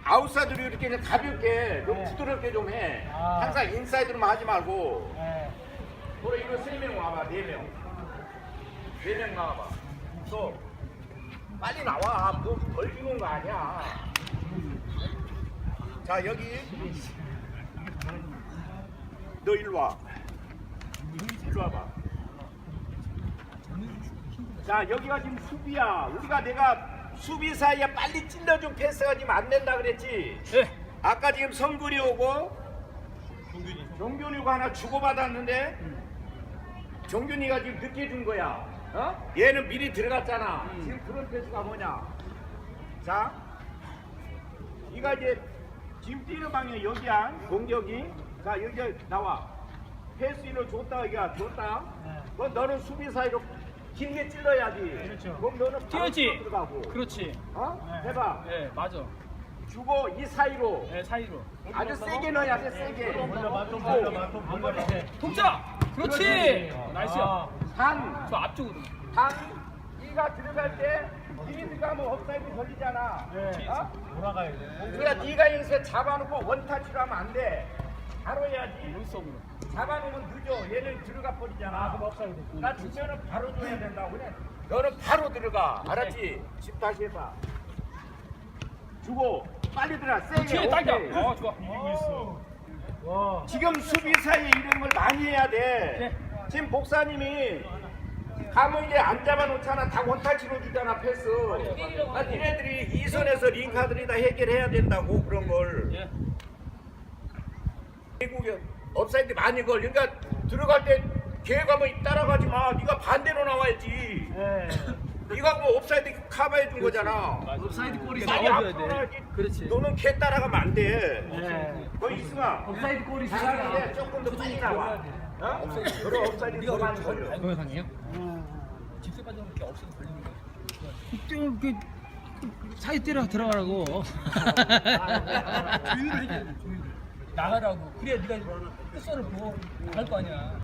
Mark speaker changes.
Speaker 1: 아웃사이드로 이렇게 그냥 가볍게 좀 부드럽게 좀 해. 항상 인사이드로만 하지 말고. 그래 이거 3명 와봐. 4명. 4명 나와봐. 또 빨리 나와. 뭐 걸리는 거 아니야. 자 여기 너 일로 와. 일로 와봐. 자 여기가 지금 수비야. 우리가 내가 수비 사이에 빨리 찔러준 패스가 지금 안 된다 그랬지.
Speaker 2: 네.
Speaker 1: 아까 지금 성근이 오고 종균이 오고 하나 주고받았는데 종균이가 지금 늦게 준 거야. 어? 얘는 미리 들어갔잖아. 지금 그런 패스가 뭐냐. 자 이가 이제 지금 뛰는 방향 여기야. 공격이. 자 여기 나와. 패스를 줬다 여기야. 줬다. 그럼 너는 수비 사이로 길게 찔러야지.
Speaker 2: 그렇죠.
Speaker 1: 그럼 너는 바로
Speaker 2: 뛰어야지.
Speaker 1: 들어가고.
Speaker 2: 그렇지.
Speaker 1: 어? 해봐.
Speaker 2: 네, 맞아.
Speaker 1: 주고 이 사이로
Speaker 2: 네, 사이로.
Speaker 1: 아주 세게 넣어야 돼. 세게.
Speaker 2: 동작. 그렇지. 나이스야.
Speaker 1: 단.
Speaker 2: 저 앞쪽으로.
Speaker 1: 단. 네가 들어갈 때 니가 들어가면 업사이드 걸리잖아. 어?
Speaker 3: 돌아가야 돼.
Speaker 1: 그러니까 네가 여기서 잡아놓고 원타치로 하면 안 돼. 바로 해야지.
Speaker 2: 물속으로.
Speaker 1: 잡아놓으면 늦어. 얘는 들어가 버리잖아. 나 주면은 바로 줘야 된다고 그래. 너는 바로 들어가. 알았지? 집 다시 해봐. 주고 빨리 들어가. 세게.
Speaker 2: 그렇지. 딱이야.
Speaker 1: 오케이.
Speaker 2: 좋아.
Speaker 1: 지금 수비 사이에 이런 걸 많이 해야 돼. 지금 복사님이 가면 이제 안 잡아놓잖아. 다 원타치로 주잖아 패스. 아, 니네들이 이 선에서 링카들이 다 해결해야 된다고 그런 걸.
Speaker 2: 예.
Speaker 1: 미국에 업사이드 많이 걸. 그러니까 들어갈 때 계획하면 따라가지 마. 네가 반대로 나와야지. 네가 뭐 업사이드 커버해 준 거잖아.
Speaker 2: 옵사이드 골이
Speaker 1: 많이 앞으로 나와야지.
Speaker 2: 그렇지.
Speaker 1: 너는 걔 따라가면 안 돼. 너 이승아.
Speaker 3: 업사이드 골이
Speaker 1: 잘하는데 조금 더 빨리 나와. 어? 그럼 업사이드 더 많이 걸려.
Speaker 2: 동영상이에요? 집세 빠지면 이렇게 없어도 걸리는 거야. 그 사이 때려 들어가라고. 조율을 해줘야 돼. 조율을. 나가라고. 그래야 네가 끝선을 보고 나갈 거 아니야.